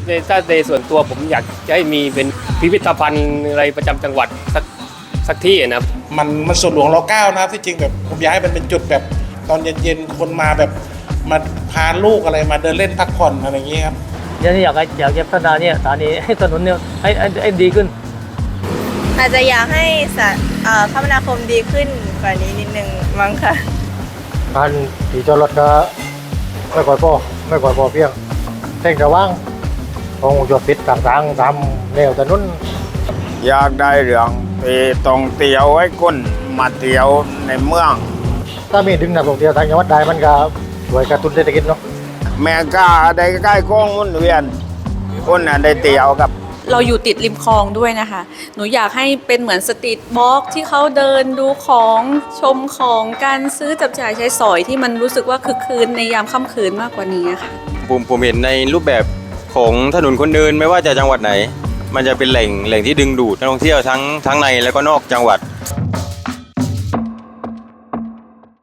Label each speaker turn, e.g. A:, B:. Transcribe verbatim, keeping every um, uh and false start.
A: ในถ้าในส่วนตัวผมอยากจะให้มีเป็นพิพิธภัณฑ์อะไรประจำจังหวัดสักสักที่นะครับ
B: มันมันส่วนหลวงรเก้านะครับที่จริงแบบผมอยากให้มันเป็นจุดแบบตอนเย็นๆคนมาแบบมาพาลูกอะไรมาเดินเล่นพักผ่อนอะไรอย่างเงี้ยครับ
C: เนี่ยอยากให้อยากจะพัฒนาเนี่ยสถานีให้ถนนเนี่ยให้ให้ดีขึ้น
D: อาจจะอยากให้คมนาคมดีขึ้นกว่านี้นิดนึงมั้งค่ะ
C: การที่จอดรถก็ไม่ค่อยพอไม่ค่อยพอเพียงเส้นระว่างของจอดปิดต่างๆตามแนวถนน
E: อยากได้เรื่องที่ต้องเที่ยวให้คนมาเที่ยวในเมือง
C: ถ้ามีดึงนักท่องเที่ยวทางจังหวัดได้มันก็ช่วยกระตุ้นเศรษฐกิจเนาะ
E: แม่กาได้ใกล้ๆกล้องมุนเวียนคนน่ะได้เที่ยวกับ
F: เราอยู่ติดริมคลองด้วยนะคะหนูอยากให้เป็นเหมือนสตรีทวอล์กที่เขาเดินดูของชมของการซื้อจับจ่ายใช้สอยที่มันรู้สึกว่าคึกคืนในยามค่ำคืนมากกว่านี้ค่ะ
G: ผมผมเห็นในรูปแบบของถนนคนเดินไม่ว่าจะจังหวัดไหนมันจะเป็นแหล่งแหล่งที่ดึงดูดนักท่องเที่ยวทั้งทั้งในและก็นอกจังหวัด